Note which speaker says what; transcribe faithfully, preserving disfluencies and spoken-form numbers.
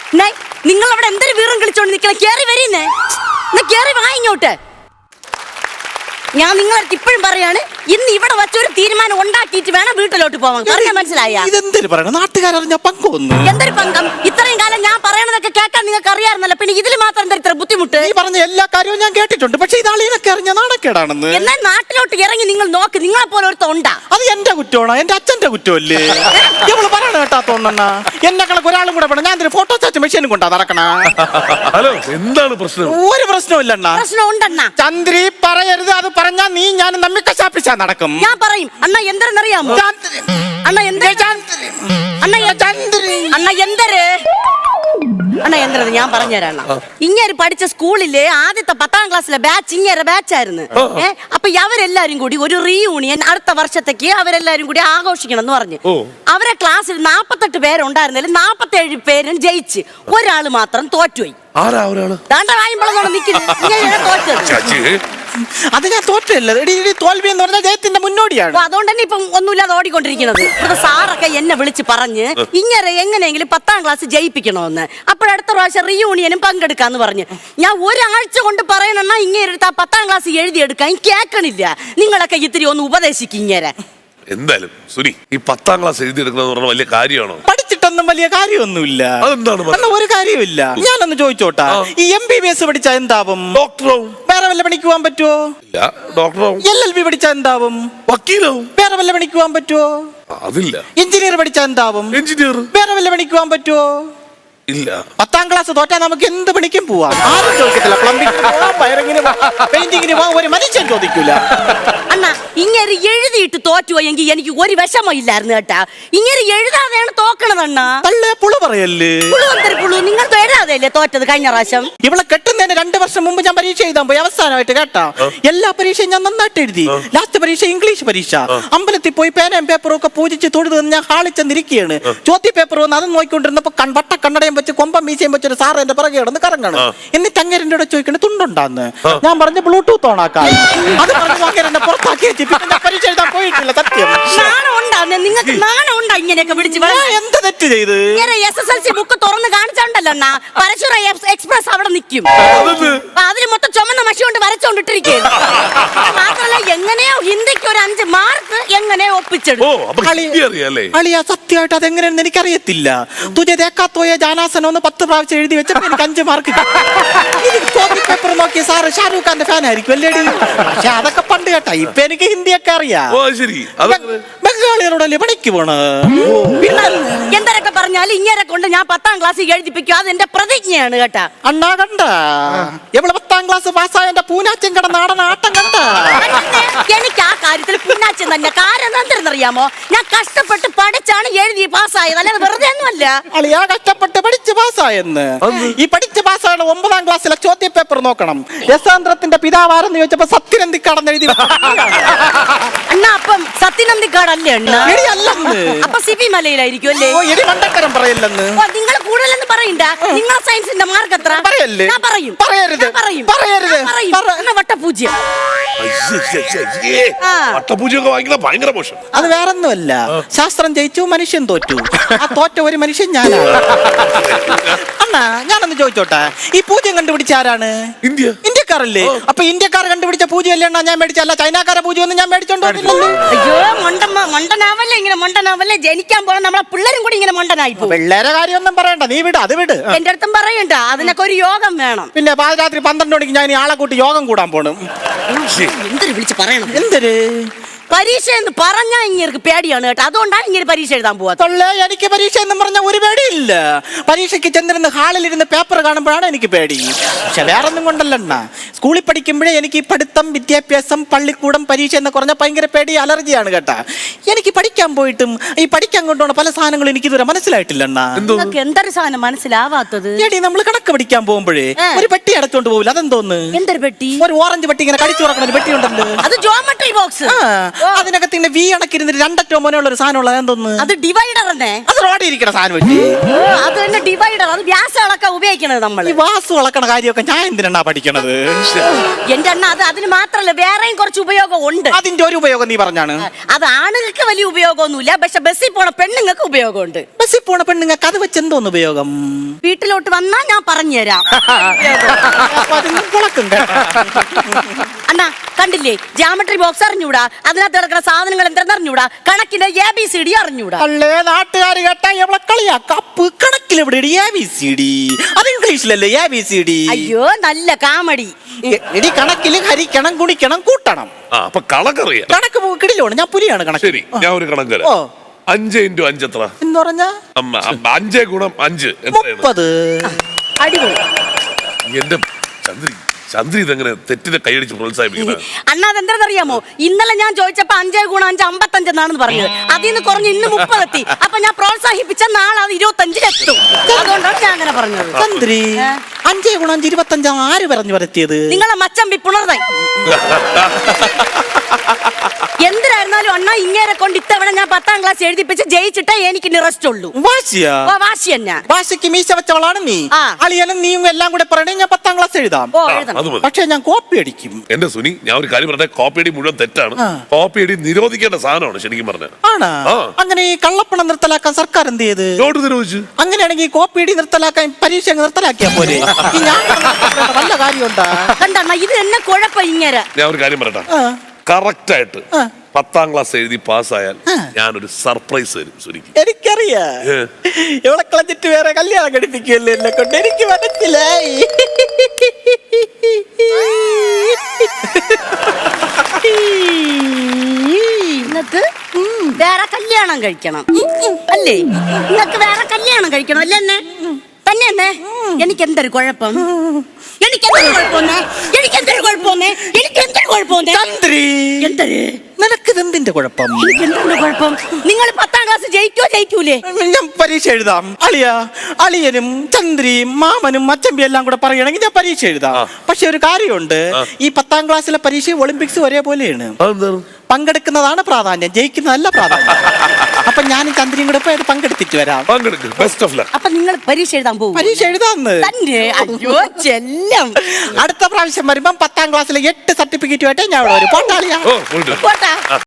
Speaker 1: നിങ്ങൾ അവിടെ എന്തൊരു വീറും കളിച്ചോണ്ട് നിൽക്കണ? കേറി വരീന്നേ, കേറി വാ ഇങ്ങോട്ട്. ഞാൻ നിങ്ങളടുത്ത് ഇപ്പോഴും പറയാണ്, ഇന്ന് ഇവിടെ വച്ചൊരു തീരുമാനം ഉണ്ടാക്കിയിട്ട് വേണം വീട്ടിലോട്ട് പോവാൻ. പറഞ്ഞാൽ മനസ്സിലായ?
Speaker 2: ഇതെന്തൊരു പറയണം, നാട്ടുകാരറിഞ്ഞ പങ്കൊന്നു.
Speaker 1: എന്തൊരു പങ്കം? ഇത്രയും കാലം ഞാൻ പറയണതൊക്കെ കേൾക്കാൻ നിങ്ങൾക്ക് അറിയാറുന്നല്ലോ, പിന്നെ ഇതിൽ മാത്രം എന്താ ഇത്ര ബുദ്ധിമുട്ട്?
Speaker 2: നീ പറഞ്ഞ എല്ലാ കാര്യവും ഞാൻ കേട്ടിട്ടുണ്ട്, പക്ഷെ ഇതാളീനൊക്കെ അറിഞ്ഞ നാണക്കേടാണെന്ന്.
Speaker 1: എന്നാൽ നാട്ടിലോട്ട് ഇറങ്ങി നിങ്ങൾ നോക്ക്, നിങ്ങളെ പോലെ ഒരുത്ത ഉണ്ടാ.
Speaker 2: അത് എന്റെ കുറ്റമാണോ? എന്റെ അച്ഛന്റെ കുറ്റമല്ലേ? ഇവള് പറയണ കേട്ടാത്തോണ്ണ എന്നെ കണക്ക് ഒരാളും കൂടെ വേണം. ഞാൻ ഫോട്ടോ ചാച്ച മെഷീനും കൊണ്ടാ നടക്കണ.
Speaker 3: ഹലോ, എന്താണ് പ്രശ്നം?
Speaker 2: ഒരു പ്രശ്നമില്ലണ്ണ.
Speaker 1: പ്രശ്നം ഉണ്ടെണ്ണ.
Speaker 2: ചന്ദ്രി പറയരുത്, അത് പറഞ്ഞാ നീ ഞാൻ നമ്മി കശാപ്പിച്ചാ നടക്കും.
Speaker 1: ഞാൻ പറയും. അണ്ണ എന്തെന്നറിയാമോ? അണ്ണ എന്ത് അണ്ണ അണ്ണ എന്തര് അണ്ണ എന്തത് ഞാൻ പറഞ്ഞുതരാണ്. ഇങ്ങനെ പഠിച്ച സ്കൂളിലെ ആദ്യത്തെ പത്താം ക്ലാസ്സിലെ ബാച്ച് ഇങ്ങനെ ബാച്ചായിരുന്നു. ഏഹ് അപ്പൊ അവരെല്ലാരും കൂടി ഒരു റീയൂണിയൻ അടുത്ത വർഷത്തേക്ക് അവരെല്ലാരും കൂടി ആഘോഷിക്കണം എന്ന് പറഞ്ഞു. അവരെ ക്ലാസ്സിൽ നാപ്പത്തെട്ട് പേരുണ്ടായിരുന്നതിൽ നാപ്പത്തേഴ് പേരും ജയിച്ച്, ഒരാള് മാത്രം തോറ്റുപോയി.
Speaker 2: അത് ഞാൻ തോറ്റല്ല, തോൽവി എന്ന് പറഞ്ഞാൽ ജയത്തിന്റെ മുന്നോടിയാണ്.
Speaker 1: അതുകൊണ്ട് തന്നെ ഇപ്പം ഒന്നുമില്ലാതെ ഓടിക്കൊണ്ടിരിക്കുന്നത്. സാറൊക്കെ എന്നെ വിളിച്ച് പറഞ്ഞ് ഇങ്ങനെ എങ്ങനെയെങ്കിലും പത്താം ക്ലാസ് ജയിപ്പിക്കണമെന്ന്. അപ്പോഴടുത്ത പ്രാവശ്യം റീയൂണിയനും പങ്കെടുക്കാന്ന് പറഞ്ഞ് ഞാൻ ഒരാഴ്ച കൊണ്ട് പറയണെന്നാ ഇങ്ങനെ എടുത്ത് ആ പത്താം ക്ലാസ് എഴുതിയെടുക്കാൻ കേൾക്കണില്ല. നിങ്ങളൊക്കെ ഇത്തിരി ഒന്ന് ഉപദേശിക്കും ഇങ്ങനെ.
Speaker 3: എന്തായാലും സുനി, ഈ പത്താം ക്ലാസ് എഴുതിയെടുക്കുന്നത് പറഞ്ഞ വലിയ കാര്യമാണോ?
Speaker 2: പഠിച്ചിട്ടൊന്നും വലിയ കാര്യമൊന്നുമില്ല.
Speaker 3: അതെന്താണ്?
Speaker 2: ഒരു കാര്യമില്ല. ഞാനൊന്ന് ചോദിച്ചോട്ടാ, ഈ എം ബി ബി എസ് പഠിച്ചാ എന്താവും?
Speaker 3: ഡോക്ടറാവും.
Speaker 2: വേറെ വല്ല പണിക്ക് പോകാൻ പറ്റുമോ?
Speaker 3: ഇല്ല, ഡോക്ടറാവും.
Speaker 2: എൽ എൽ ബി പഠിച്ചാ എന്താവും?
Speaker 3: വക്കീലാവും.
Speaker 2: വേറെ വല്ല പണിക്ക് പോകാൻ പറ്റുമോ?
Speaker 3: അതില്ല.
Speaker 2: എഞ്ചിനീയർ പഠിച്ചാ എന്താവും?
Speaker 3: എഞ്ചിനീയർ.
Speaker 2: വേറെ വല്ല പണിക്ക് പോകാൻ പറ്റുമോ?
Speaker 3: ഇല്ല.
Speaker 2: പത്താം ക്ലാസ് തോറ്റാ നമുക്ക് എന്ത് പണിക്കും പോവാം. ആരും ചോദിക്കത്തില്ല. പ്ലംബിംഗിന് പോവാം, വയറിങ്ങിന് പോവാം, പെയിന്റിങ്ങിന് പോവാം, ഒരു മനുഷ്യൻ ചോദിക്കൂല.
Speaker 1: അണ്ണാ ഇങ്ങനെ എഴുതിയിട്ട് തോറ്റുപോയെങ്കിൽ എനിക്ക് ഒരു വിഷമം ഇല്ലായിരുന്നു കേട്ടാ. ഇങ്ങനെ എഴുതാതെയാണ് തോക്കണതണ്ണ.
Speaker 2: തള്ളേ പുളു പറയല്ലേ?
Speaker 1: പുളു നിങ്ങൾ എഴുതാതെയല്ലേ തോറ്റത് കഴിഞ്ഞ പ്രാവശ്യം?
Speaker 2: ഇവളെ കെട്ടുന്നതിന് രണ്ടു വർഷം മുമ്പ് ഞാൻ പരീക്ഷ എഴുതാൻ പോയി. അവസാനമായിട്ട് കേട്ടാ, എല്ലാ പരീക്ഷയും ഞാൻ നന്നായിട്ട് എഴുതി. ലാസ്റ്റ് പരീക്ഷ ഇംഗ്ലീഷ് പരീക്ഷ. അമ്പലത്തിൽ പോയി പേനയും പേപ്പറും ഒക്കെ പൂജിച്ച് തൊഴുത് ഞാൻ ഹാളിച്ചെന്നിരിക്കുകയാണ്. ചോദ്യ പേപ്പർ വന്ന് അത് നോക്കിക്കൊണ്ടിരുന്നപ്പോ വട്ട കണ്ണടയും വെച്ച് കൊമ്പം മീശയും വെച്ചൊരു സാറ് എന്റെ പിറകെ കിടന്ന് കറങ്ങണം. എന്നിട്ട് അങ്ങേരൻ്റെ കൂടെ ചോദിക്കണേ തുണ്ടുണ്ടാന്ന്. ഞാൻ പറഞ്ഞ ബ്ലൂടൂത്ത് ഓണാക്കാൻ. അത് പറഞ്ഞു അങ്ങേരനെ പുറത്താക്കി വെച്ച് പിന്നെ പരീക്ഷ എഴുതാൻ പോയിട്ടില്ല. സത്യം
Speaker 1: നിങ്ങൾക്ക് നാണം ഉണ്ടാ ഇങ്ങനെയൊക്കെ പിടിച്ച്?
Speaker 2: എന്ത് തെറ്റ് ചെയ്ത്?
Speaker 1: S S L C book തുറന്ന് കാണിച്ചോണ്ടല്ലോ അണ്ണാ, പരശുറ എക്സ്പ്രസ് അവിടെ നിൽക്കും. അതിന് മൊത്തം ചുമന്ന മഷി കൊണ്ട് വരച്ചോണ്ടിട്ടിരിക്കും. മാത്രല്ല എങ്ങനെയോ ഹിന്ദിക്ക് ഒരു അഞ്ച് മാർക്ക് എങ്ങനെയോ ഒപ്പിച്ചെടുക്കും.
Speaker 2: അളിയാ സത്യമായിട്ട് അതെങ്ങനെയാണെന്ന് എനിക്കറിയത്തില്ല. തുജ ദേക്കാത്തോയ ജാനാസനം ഒന്ന് പത്ത് പ്രാവശ്യം എഴുതി വെച്ചപ്പോ എനിക്ക് അഞ്ച് മാർക്ക്. പേപ്പർ നോക്കി സാറ് ഷാരൂഖ് ഖാന്റെ ഫാൻ ആയിരിക്കും അല്ലേടി? പക്ഷെ അതൊക്കെ പണ്ട് കേട്ടാ. ഇപ്പൊ എനിക്ക് ഹിന്ദിയൊക്കെ അറിയാം. ബംഗാളികളോടല്ലേ പണിക്ക് പോണ?
Speaker 1: എന്തൊക്കെ പറഞ്ഞാലും ഇങ്ങനെ കൊണ്ട് ഞാൻ പത്താം ക്ലാസ് എഴുതിപ്പിക്കും. അത് എന്റെ പ്രതിജ്ഞയാണ് കേട്ടാ.
Speaker 2: അണ്ണാ കണ്ട എവിടെ പത്താം ക്ലാസ് പാസ്സായ എന്റെ പൂനാച്ചൻ കട നാടൻ ആട്ടം കണ്ട.
Speaker 1: എനിക്ക് ആ കാര്യത്തിൽ പൂനാച്ചൻ തന്നെ. കാരണം എന്തെന്നറിയാമോ? ഞാൻ കഷ്ടപ്പെട്ട് പഠിച്ചാണ് എഴുതി പാസ്സായത്, അല്ലാതെ വെറുതെ ഒന്നുമല്ല.
Speaker 2: അളിയാ കഷ്ടപ്പെട്ട് പഠിച്ച് പാസ്സായെന്ന്. ഈ പഠിച്ച് പാസ്സായ ഒമ്പതാം ക്ലാസ്സിലെ ചോദ്യ പേപ്പർ നോക്കണം. യശാന്ത്രത്തിന്റെ പിതാവാരെന്ന് ചോദിച്ചപ്പോ സത്യനന്ദിക്കാടെന്ന് എഴുതി.
Speaker 1: അണ്ണാ അപ്പം സത്യനന്ദിക്കാടല്ലേ അണ്ണാ? അപ്പൊ സിബി മലയിലായിരിക്കും അല്ലേ?
Speaker 2: പറയല്ലെന്ന്
Speaker 1: നിങ്ങൾ കൂടുതലെന്ന് പറയണ്ട. നിങ്ങളെ സയൻസിന്റെ മാർക്ക് എത്ര? ഞാൻ പറയും.
Speaker 2: പറയരുത് പറയരുത്.
Speaker 1: വട്ടപൂജ്യം.
Speaker 3: വട്ടപൂജ്യമൊക്കെ വാങ്ങിക്കുന്ന ഭയങ്കര മോശം.
Speaker 2: അത് വേറൊന്നുമല്ല, ശാസ്ത്രം ജയിച്ചു മനുഷ്യൻ തോറ്റു. ആ തോറ്റ ഒരു മനുഷ്യൻ ഞാനാണ്. അണ്ണാ ഞാനൊന്ന് ചോദിച്ചോട്ടെ, ഈ പൂജ്യം കണ്ടുപിടിച്ച ആരാണ്?
Speaker 3: ഇന്ത്യ.
Speaker 2: ഇന്ത്യക്കാരല്ലേ? അപ്പൊ ഇന്ത്യക്കാർ കണ്ടുപിടിച്ച പൂജ്യമല്ലേ അണ്ണാ ഞാൻ മേടിച്ചല്ല? ചൈനക്കാരെ പൂജ്യം ഒന്നും ഞാൻ മേടിച്ചോണ്ടോ?
Speaker 1: അയ്യോ മണ്ടമ്മ മണ്ടനാവല്ലേ ഇങ്ങനെ മണ്ടനാവല്ലേ. ജനിക്കാൻ പോണ നമ്മളെ പിള്ളേരും കൂടി ഇങ്ങനെ മണ്ടനായി പോകും.
Speaker 2: പിള്ളേരെ കാര്യമൊന്നും പറയണ്ട, നീ വിട്, അത് വിട്.
Speaker 1: എന്റെ അടുത്തും പറയണ്ട, അതിനൊക്കെ ഒരു യോഗം വേണം.
Speaker 2: പിന്നെ പാതിരാത്രി പന്ത്രണ്ട് മണിക്ക് ഞാൻ ആളെ കൂട്ടി യോഗം കൂടാൻ പോണം.
Speaker 1: എന്തൊരു വിളിച്ച് പറയണം?
Speaker 2: എന്തൊരു
Speaker 1: പരീക്ഷ എന്ന് പറഞ്ഞാൽ ഇങ്ങനെ പേടിയാണ് കേട്ടോ. അതുകൊണ്ടാണ് ഇങ്ങനെ പരീക്ഷ എഴുതാൻ പോവാ.
Speaker 2: എനിക്ക് പരീക്ഷ എന്ന് പറഞ്ഞാൽ ഒരു പേടിയില്ല. പരീക്ഷയ്ക്ക് ചെന്നിരുന്ന് ഹാളിലിരുന്ന് പേപ്പർ കാണുമ്പോഴാണ് എനിക്ക് പേടി. പക്ഷെ വേറൊന്നും കൊണ്ടല്ലണ്ണ, സ്കൂളിൽ പഠിക്കുമ്പോഴേ എനിക്ക് ഈ പഠിത്തം, വിദ്യാഭ്യാസം, പള്ളിക്കൂടം, പരീക്ഷ എന്ന് പറഞ്ഞാൽ ഭയങ്കര പേടി, അലർജിയാണ് കേട്ടാ. എനിക്ക് പഠിക്കാൻ പോയിട്ടും ഈ പഠിക്കാൻ കൊണ്ടുപോണ പല സാധനങ്ങളും എനിക്ക് ഇതുവരെ മനസ്സിലായിട്ടില്ലണ്ണ.
Speaker 1: എന്തൊരു സാധനം മനസ്സിലാവാത്തത്?
Speaker 2: എടി നമ്മൾ കണക്ക് പഠിക്കാൻ പോകുമ്പോഴേ ഒരു പെട്ടി അടച്ചോണ്ട് പോകില്ല, അതെന്തോന്ന്?
Speaker 1: എന്തൊരു പെട്ടി?
Speaker 2: ഒരു ഓറഞ്ച് പെട്ടി ഇങ്ങനെ കടിച്ചു തുറക്കണ ഒരു പെട്ടി ഉണ്ടല്ലോ,
Speaker 1: അത് ജോമെട്രി ബോക്സ്.
Speaker 2: അതിനകത്ത് ഇങ്ങനെ വി അണക്കിരുന്നിട്ട് രണ്ടറ്റോ മോനുള്ള ഒരു സാധനം ഉള്ളത് എന്തോന്ന്
Speaker 1: അത് ഡിവൈഡർ തന്നെ.
Speaker 2: അത് റോഡിൽ ഇരിക്കണ സാധനം പറ്റി
Speaker 1: അത് തന്നെ ഡിവൈഡർ. അത് വ്യാസം അളക്കാൻ ഉപയോഗിക്കണത് നമ്മള്.
Speaker 2: ഈ വാസു വളക്കണ കാര്യമൊക്കെ ഞാൻ എന്തിനാ പഠിക്കണത്?
Speaker 1: എന്റെ അണ്ണ അത് അതിന് മാത്രല്ല വേറെയും കുറച്ച് ഉപയോഗം ഉണ്ട്.
Speaker 2: അതിന്റെ ഒരു ഉപയോഗം നീ പറഞ്ഞാണ്.
Speaker 1: അത് ആണുങ്ങൾക്ക് വലിയ ഉപയോഗമൊന്നുമില്ല, പക്ഷെ ബസ്സിൽ പോണ പെണ്ണുങ്ങൾക്ക് ഉപയോഗമുണ്ട്.
Speaker 2: ബസ്സിൽ പോണ പെണ്ണുങ്ങൾക്ക് അത് വെച്ച് എന്തോന്ന് ഉപയോഗം?
Speaker 1: വീട്ടിലോട്ട് വന്നാ ഞാൻ പറഞ്ഞുതരാം.
Speaker 2: അപ്പൊ അതിന് കുളക്കും കേട്ടോ.
Speaker 1: അണ്ണാ കണ്ടില്ലേ, ജാമട്രി ബോക്സ് അറിഞ്ഞൂടാ, അതിനകത്ത് കിടക്കുന്ന സാധനങ്ങൾ എന്തെന്ന് അറിഞ്ഞൂടാ, കണക്കിന്റെ എ ബി സി ഡി അറിഞ്ഞൂടാ.
Speaker 2: അല്ലേ നാട്ടുകാർ കേട്ടാ എവിടെ കളിയാ കപ്പ് കണക്കിൽ എവിടെ എ ബി സി ഡി? അത് ഇംഗ്ലീഷിലല്ലേ എ ബി സി ഡി?
Speaker 1: അയ്യോ നല്ല കാമഡി.
Speaker 2: എടി കണക്കില് ഹരിക്കണം ഗുണിക്കണം കൂട്ടണം.
Speaker 3: ആ അപ്പൊ കണക്കറിയാം.
Speaker 2: കണക്ക് കിടിലോണ്, ഞാൻ പുലിയാണ് കണക്ക്.
Speaker 3: ശരി, ഞാൻ ഒരു കണക്ക് തരാം.
Speaker 2: ഓ
Speaker 3: അഞ്ച് ഇൻറ്റു അഞ്ച് എത്ര?
Speaker 2: എന്ന് പറഞ്ഞ
Speaker 3: അമ്മ, അമ്മ, അഞ്ചേ ഗുണം അഞ്ച് എത്രയാണ്?
Speaker 2: മുപ്പത്.
Speaker 1: അടിപൊളി.
Speaker 3: എന്റെ ചന്ദ്രി ചന്ദ്രി ഇതെങ്ങനെ തെറ്റിനെ കൈയടിച്ച് പ്രോത്സാഹിപ്പിക്കുന്നത്?
Speaker 1: അണ്ണാ അതെന്താണെന്നറിയാമോ, ഇന്നലെ ഞാൻ ചോദിച്ചപ്പോ അഞ്ചേ ഗുണം അഞ്ച് അമ്പത്തഞ്ചെന്നാണെന്ന് പറഞ്ഞത്. അതിൽ നിന്ന് കുറഞ്ഞ് ഇന്ന് മുപ്പതെത്തി. അപ്പൊ ഞാൻ പ്രോത്സാഹിപ്പിച്ച നാളെ അത് ഇരുപത്തഞ്ചിലെത്തും. അതുകൊണ്ടാണ് ഞാൻ അങ്ങനെ പറഞ്ഞത്.
Speaker 2: ചന്ദ്രി അഞ്ചേ ഗുണം അഞ്ച് ഇരുപത്തഞ്ചാ ആര് പറഞ്ഞു വരത്തിയത്?
Speaker 1: നിങ്ങളെ മച്ചമ്പി പുണർതായി. എന്തിനായിരുന്നാലും അണ്ണാ ഇങ്ങേരെ കൊണ്ട് ഇത്തവണ ഞാൻ പത്താം ക്ലാസ് എഴുതിപ്പിച്ച് ജയിച്ചിട്ടേ എനിക്ക് നിറസ്റ്റ് ഉള്ളൂ.
Speaker 2: വാശിയാ?
Speaker 1: ഓ, വാശി തന്നെ.
Speaker 2: വാശിക്ക് മീശ വെച്ചവളാണ് നീ.
Speaker 1: ആ.
Speaker 2: അളിയനും നീയും എല്ലാം കൂടെ പറയണേ ഞാൻ പത്താം ക്ലാസ് എഴുതാം.
Speaker 1: ഓ എഴുതണം.
Speaker 3: അത് മതി.
Speaker 2: പക്ഷെ ഞാൻ കോപ്പി അടിക്കും.
Speaker 3: എന്റെ സുനി, ഞാൻ ഒരു കാര്യം പറഞ്ഞ കോപ്പി അടി മുഴുവൻ തെറ്റാണ്.
Speaker 2: ആ.
Speaker 3: കോപ്പി അടി നിരോധിക്കേണ്ട സാധനമാണ് ശരിക്കും പറഞ്ഞ.
Speaker 2: ആണാ?
Speaker 3: ആ.
Speaker 2: അങ്ങനെ ഈ കള്ളപ്പണം നിർത്തലാക്കാൻ സർക്കാർ എന്ത് ചെയ്ത്?
Speaker 3: നോട്ട് നിരോധിച്ചു.
Speaker 2: അങ്ങനെയാണെങ്കിൽ കോപ്പി അടി നിർത്തലാക്കാൻ പരീക്ഷ അങ്ങ് നിർത്തലാക്കിയാ പോലെ. ഈ ഞാൻ വല്ല കാര്യമുണ്ടാ?
Speaker 1: കണ്ടണ്ണ ഇത് എന്നെ കുഴപ്പം ഇങ്ങേരെ.
Speaker 3: ഞാൻ ഒരു കാര്യം പറയട്ടെ,
Speaker 2: ആ.
Speaker 3: കറക്റ്റ് ആയിട്ട്
Speaker 2: ആ.
Speaker 3: പത്താം ക്ലാസ് എഴുതി പാസ്സായാൽ
Speaker 2: ആ.
Speaker 3: ഞാനൊരു സർപ്രൈസ് തരും സുനിക്ക്.
Speaker 2: എനിക്കറിയാ
Speaker 3: ഏ.
Speaker 2: ഇവളെ കളഞ്ഞിട്ട് വേറെ കല്യാണം കഴിപ്പിക്കുമല്ലോ എന്നെ കൊണ്ട്. എനിക്ക് മനസ്സിലായി.
Speaker 1: നിങ്ങക്ക് വേറെ കല്യാണം കഴിക്കണം അല്ലേ? നിങ്ങക്ക് വേറെ കല്യാണം കഴിക്കണം അല്ലേ? എന്നെ തന്നെ എന്നെ എനിക്ക് എന്തൊരു കുഴപ്പം? എനിക്ക് എന്തൊരു കുഴപ്പമെന്നേ? എനിക്ക് എന്തൊരു കുഴപ്പമെന്നേ? എനിക്ക് എന്തൊരു കുഴപ്പമെന്നേ?
Speaker 2: ചന്ദ്രി
Speaker 1: എന്തൊരു
Speaker 2: നിനക്കിത് എന്തിന്റെ കുഴപ്പം?
Speaker 1: എനിക്ക് എന്തൊരു കുഴപ്പം? നിങ്ങൾ പത്താം ക്ലാസ് ജയിക്കോ ജയിക്കൂലേ?
Speaker 2: ഞാൻ പരീക്ഷ എഴുതാം. അളിയ അളിയനും ചന്ദ്രിയും മാമനും അച്ചമ്പി എല്ലാം കൂടെ പറയുകയാണെങ്കിൽ ഞാൻ പരീക്ഷ എഴുതാം.
Speaker 3: ആ.
Speaker 2: പക്ഷെ ഒരു കാര്യമുണ്ട്, ഈ പത്താം ക്ലാസ്സിലെ പരീക്ഷ ഒളിമ്പിക്സ് ഒരേപോലെയാണ്.
Speaker 3: അതെന്താണ്?
Speaker 2: പങ്കെടുക്കുന്നതാണ് പ്രാധാന്യം, ജയിക്കുന്നതല്ല പ്രാധാന്യം. അപ്പൊ ഞാനും ചന്ദ്രിയും കൂടെ പോയി അത് പങ്കെടുത്തിട്ട് വരാം.
Speaker 3: പങ്കെടുക്ക്. Best of luck.
Speaker 1: അപ്പൊ നിങ്ങൾ പരീക്ഷ എഴുതാൻ പോകും?
Speaker 2: പരീക്ഷ എഴുതാന്ന്
Speaker 1: തന്നെ? അയ്യോ ചെല്ലം.
Speaker 2: അടുത്ത പ്രാവശ്യം വരുമ്പം പത്താം ക്ലാസ്സിലെ എട്ട് സർട്ടിഫിക്കറ്റുമായിട്ട് ഞാൻ ഇവിടെ വരും. പോട്ടാളിയാ.
Speaker 3: ഓ പോയിട്ട് വരാം.
Speaker 1: പോട്ടാ.